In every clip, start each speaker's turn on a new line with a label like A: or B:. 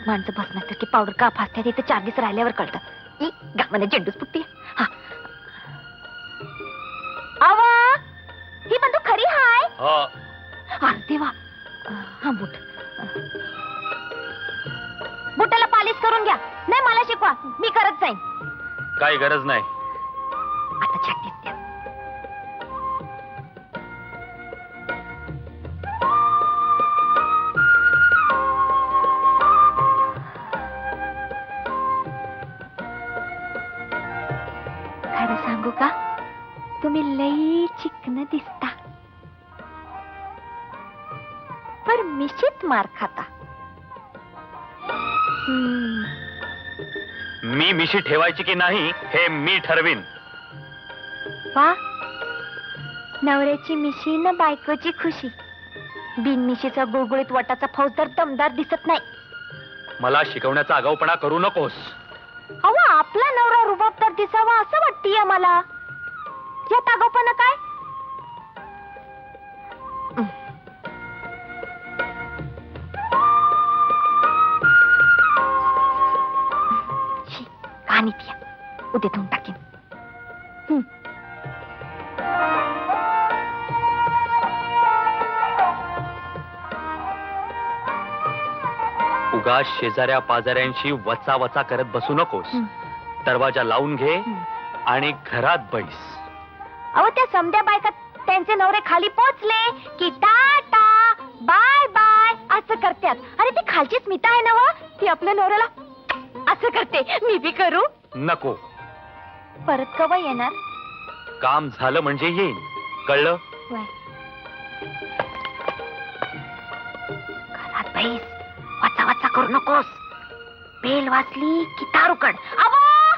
A: माणसं बसण्यासारखी पावडर का फासत्या तिथे 4 दिवस राहिल्यावर कळतं. गावाने झेंडूच फुटते. हा आवा ही बंदूक खरी हाय. अरे देवा. हा बूट बुटाला पालिश करून घ्या. नाही मला शिकवा, मी करत जाईन.
B: काही गरज नाही.
A: आता छातीत द्या. खरं सांगू का, तुम्ही लई चिकन दिसता, पर मिशीत मार खाता.
B: मी मिशी ठेवायची की नाही हे मी ठरवीन.
A: वा, नवऱ्याची मिशी न बायकोची खुशी. बिन मिशीचा गुळगुळीत वटाचा फौजदार दमदार दिसत नाही.
B: मला शिकवण्याचा आगाऊपणा करू नकोस.
A: अहो, आपला नवरा रुबाबदार दिसावा असं वाटतीय मला. यात आगाऊपणा काय? कहाणी पिया, उद्या धुवून टाकेन.
B: उगाच शेजाऱ्या पाजाऱ्यांशी वचा वचा करत बसू नकोस. दरवाजा लावून घे आणि घरात बैस.
A: अहो, त्या समध्या बायका त्यांचे नवरे खाली पोचले की टाटा बाय बाय असं करतात. अरे ती खालची स्मिता आहे ना व, ती आपल्या नवऱ्याला असं करते. मी बी करू?
B: नको.
A: परत कवा येणार?
B: काम झालं म्हणजे येईन, कळलं?
A: घरात बैस, वाचा वाचा करू नकोस. बेल वाचली की तारुकड. अबो,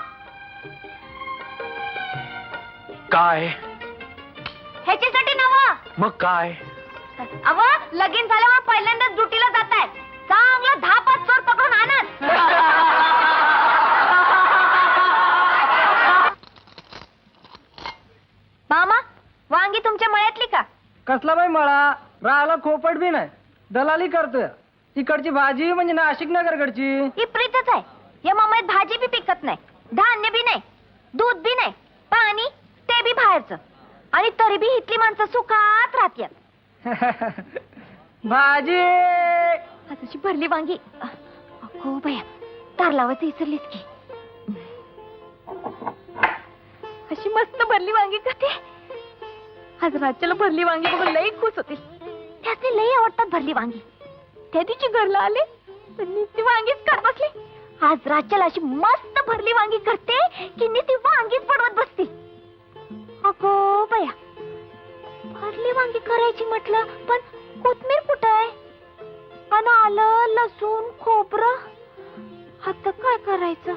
B: काय?
A: ह्याच्यासाठी नवा.
B: मग काय?
A: अव, लगीन झाल्यावर पहिल्यांदाच ड्युटीला जाताय. चांगलं 10-5 चोर पकडून आणत. मामा, वांगी तुमच्या मळ्यातली का?
C: कसला बाई मळा, राहायला खोपट बी नाही, दलाली करतोय. तिकडची भाजी म्हणजे नाशिक नगरकडची.
A: इप्रीतच आहे. या मामात भाजी बी पिकत नाही, धान्य बी नाही, दूध बी नाही, पाणी ते बी बाहेरचं. आणि तरी बी इथली माणसं सुखात राहत्यात.
C: भाजी
A: अशी भरली वांगी. अगो बया, तार लावायचं विसरलीस की. अशी मस्त भरली वांगी करते. आज राज्याला भरली वांगी बघून लई खुश होते. त्याचे लई आवडतात भरली वांगी. त्या दिवशी घरला आले ती वांगीच खात बसली. आज राज्याला अशी मस्त भरली वांगी करते की ती वांगीच बनवत बसते. अगो बया, भरली वांगी करायची म्हटलं, पण कोथमीर कुठं आहे? आणि आलं लसूण खोबरं, आता काय करायचं?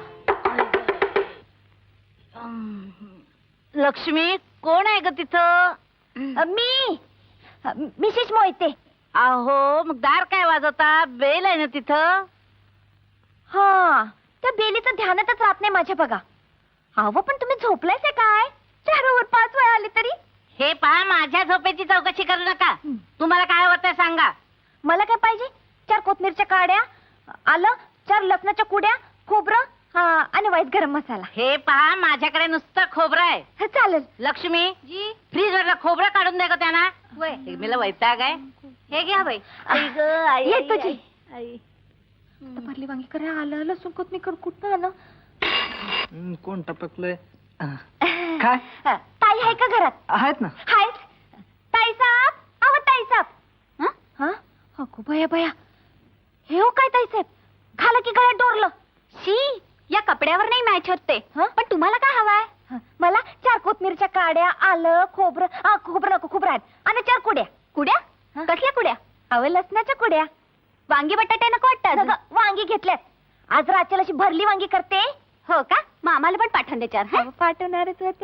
D: लक्ष्मी, कोण आहे ग तिथं?
A: मी मिसेस मोहिते.
D: अहो, मग दार काय वाजवता? बेल आहे ना तिथं?
A: हा, त्या बेलीचं ध्यानातच राहत नाही माझ्या बघा. अहो, पण तुम्ही झोपलायच काय? 4 वर 5 वेळा आली तरी.
D: हे पहा, माझ्या झोपेची चौकशी करू नका. तुम्हाला काय हवं सांगा.
A: मला काय पाहिजे? 4 कोथमीरच्या काड्या, आलं, 4 लसणाच्या कुड्या, खोबरं आणि वाईट गरम मसाला.
D: हे पहा, माझ्याकडे नुसतं खोबरं आहे.
A: चालेल.
D: लक्ष्मी जी, फ्रीज वरला खोबरं काढून दे ग त्यांना. मला वैताग आहे. हे घ्या बाई.
A: ये तुझी भरली वांगी करा, आलं लसूण कोथमीर कुठं आलं?
C: कोण टपकलंय? काय
A: ताई आहे का घरात?
C: आहेत ना.
A: हाय ताई साहेब. अहो ताई साहेब. हा, अगो बया बया, हे हो काय ताई साहेब? खालं की गळ्यात डोरलं. शी, या कपड्यावर नाही मॅच होत ते. पण तुम्हाला काय हवाय? मला 4 कोथमीरच्या काड्या, आलं खोबरं, खोबरं नको, खोबरं आहेत, आणि 4 कुड्या. कुड्या? कसल्या कुड्या? अहो, लसणाच्या कुड्या. वांगी बटाटे नको वाटतं? वांगी घेतल्यात. आज राज्याला अशी भरली वांगी करते. हो का? मग आम्हाला पण पाठवून दे 4. पाठवणारच होते.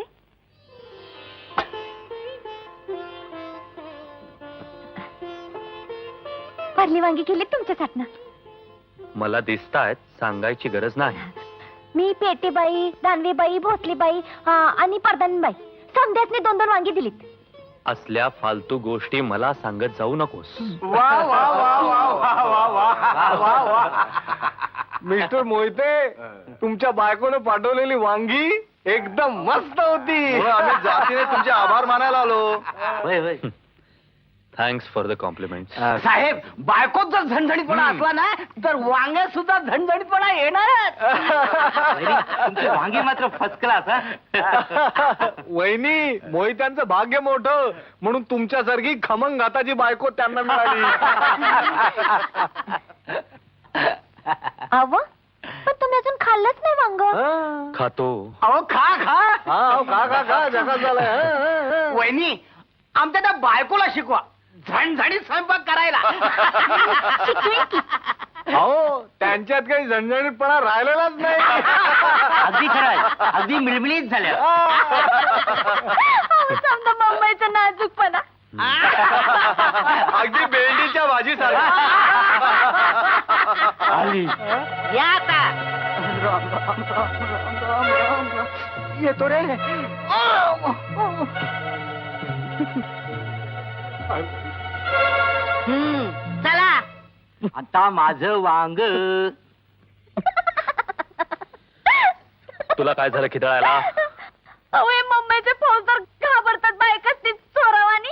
A: भरली वांगी केली तुमच्यासाठी.
B: मला दिसतायत, सांगायची गरज नाही.
A: मी पेटीबाई, दानवीबाई, भोसलीबाई आणि परदानीबाई समध्यासनी 2-2 वांगी दिलीत.
B: असल्या फालतू गोष्टी मला सांगत जाऊ नकोस.
C: वा वा वा वा वा वा वा वा वा.
E: मिस्टर मोहिते, तुमच्या बायकोनं पाठवलेली वांगी एकदम मस्त होती. आम्ही जातीने तुमचे आभार मानायला आलो.
B: Thanks for the compliment.
C: साहेब, बायकोत जर झणझणीतपणा असला ना तर वांग्यात सुद्धा झणझणीतपणा येणारच. वांगी मात्र फर्स्ट क्लास.
E: वहिनी, मोहित्यांचं भाग्य मोठं म्हणून तुमच्यासारखी खमंग घाताची बायको त्यांना मिळाली.
A: अव पण तुम्ही अजून खाल्लंच नाही वांग.
B: खातो.
C: अहो खा खा.
E: हा, खा जगात झालंय.
C: वहिनी, आमच्या त्या बायकोला शिकवा झणझणीत स्वयंपाक करायला.
E: अहो, त्यांच्यात काही झणझणीतपणा राहिलेलाच नाही.
C: अगदी खरंय, अगदी मिळमिळीत झाल्या.
A: समजा मुंबईचा नाजूकपणा.
E: अगदी भेंडीच्या भाजीसारखा.
C: आली
D: या आता.
C: येतो रे.
D: चला.
C: आता माझं वांग.
B: तुला काय झालं खिदळायला?
A: अहो हे मुंबईचे फौजदार घाबरतात बायकाच ती चोरावानी.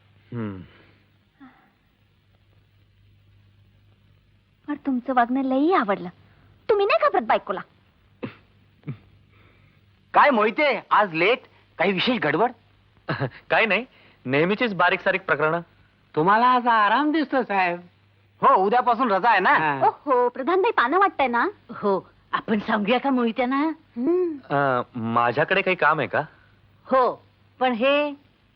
A: पण तुमचं वागणं लई आवडलं. तुम्ही नाही घाबरत बायकोला?
C: काय मोहिते, आज लेट? काही विशेष गडबड?
B: काही नाही, नेहमीचीच बारीक सारीक प्रकरण.
C: तुम्हाला आज आराम दिसतो साहेब. हो, उद्यापासून रजा आहे ना.
A: हो प्रधानबाई पानं वाटतंय ना.
D: हो, आपण सांगूया का मोहित्यांना?
B: माझ्याकडे काही काम आहे का?
D: हो, पण हे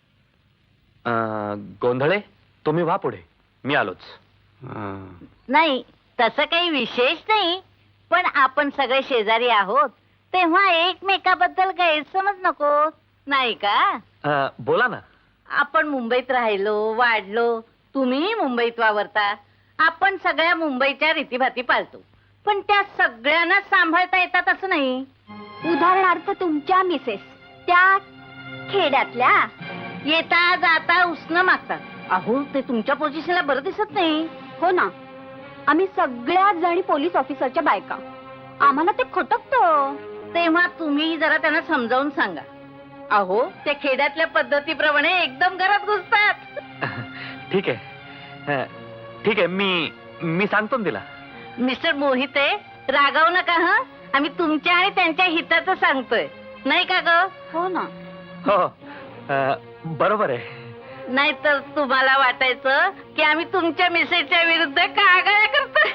B: गोंधळे, तुम्ही व्हा पुढे, मी आलोच.
D: नाही, तसं काही विशेष नाही, पण आपण सगळे शेजारी आहोत तेव्हा एकमेकाबद्दल गैरसमज नको, नाही का?
B: बोला ना.
D: आपण मुंबईत राहिलो वाढलो, तुम्ही मुंबईत वावरता, आपण सगळ्या मुंबईच्या रीतीभाती पाळतो, पण त्या सगळ्यांना सांभाळता येतात असं नाही.
A: उदाहरणार्थ तुमच्या मिसेस त्या खेड्यातल्या
D: येता जाता उसनं मागतात. अहो, ते तुमच्या पोझिशनला बरं दिसत नाही.
A: हो ना, आम्ही सगळ्या जणी पोलीस ऑफिसरच्या बायका, आम्हाला ते खटकतं.
D: तेव्हा तुम्ही जरा त्यांना समजावून सांगा. अहो, ते खेड्यातल्या पद्धतीप्रमाणे एकदम घरात घुसतात.
B: ठीक आहे, ठीक आहे, मी सांगतो ना तिला.
D: मिस्टर मोहिते, रागावू नका. हं, आम्ही तुमच्या आणि त्यांच्या हिताचं सांगतोय, नाही का ग?
A: हो ना.
B: हो, बरोबर आहे.
D: नाहीतर तुम्हाला वाटायचं की आम्ही तुमच्या मिसेसच्या विरुद्ध कागाळ्या करतोय.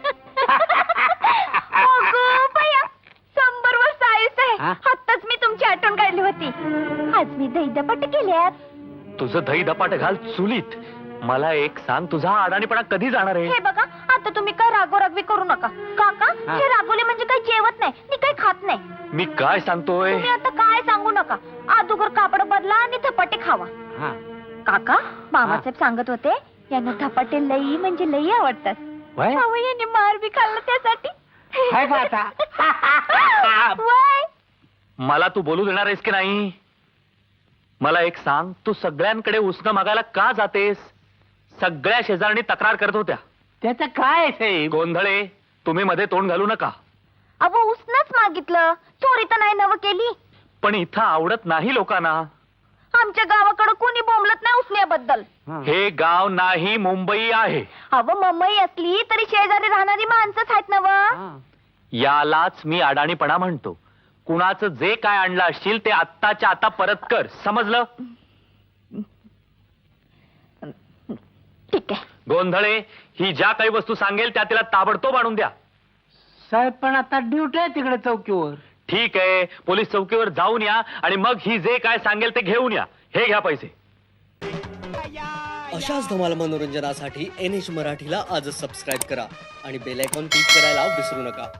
A: अगं बया, 100 वर्ष आयुष आहे. आत्ताच मी तुमची आठवण काढली होती. आज मी दहीदपाट केल्यात.
B: तुझं दही दपाट घाल चुलीत. मला एक सांग, तुझा अडाणीपणा कधी जाणार आहे?
A: हे बघा, आता तुम्ही काय रागोरागवी करू नका. काका, हे रागवले म्हणजे काही जेवत नाही मी काही खात नाही.
B: मी काय सांगतोय?
A: तुम्ही आता काय सांगू नका. अगोदर कापड बदला आणि धपाटे खावा. काका, मामासाहेब सांगत होते यांना धपाटे लई म्हणजे लई आवडतात. अहो, यांनी मार बी खाल्ला त्यासाठी. वय.
B: मला तू बोलू देणार आहेस की नाही? मला एक सांग, तू सगळ्यांकडे उसनं मागायला का जातेस? सगळ्या शेजारणी तक्रार करत होत्या.
C: त्याचं काय साहेब?
B: गोंधळे, तुम्ही मध्ये तोंड घालू नका.
A: अहो, उसनच मागितलं, चोरी तर नाही नव केली.
B: पण इथं आवडत नाही लोकांना.
A: आमच्या गावाकडे कोणी बोंबलत नाही उसण्याबद्दल.
B: हे गाव नाही, मुंबई आहे.
A: अहो, मुंबई असली तरी शेजारी राहणारी माणसंच आहेत नव.
B: यालाच मी अडाणीपणा म्हणतो. कुणाचं जे काय आणलं असशील ते आत्ताच्या आता परत कर, समजलं?
A: ठीक आहे.
B: गोंधळे, ही ज्या काही वस्तू सांगेल त्या तिला ताबडतोब आणून द्या.
C: साहेब, पण आता ड्युटी आहे तिकडे चौकीवर.
B: ठीक आहे, पोलीस चौकीवर जाऊन या आणि मग ही जे काय सांगेल ते घेऊन या. हे घ्या पैसे.
F: अशाच धमाल मनोरंजनासाठी NH मराठीला आजच सबस्क्राईब करा आणि बेल आयकॉन क्लिक करायला विसरू नका.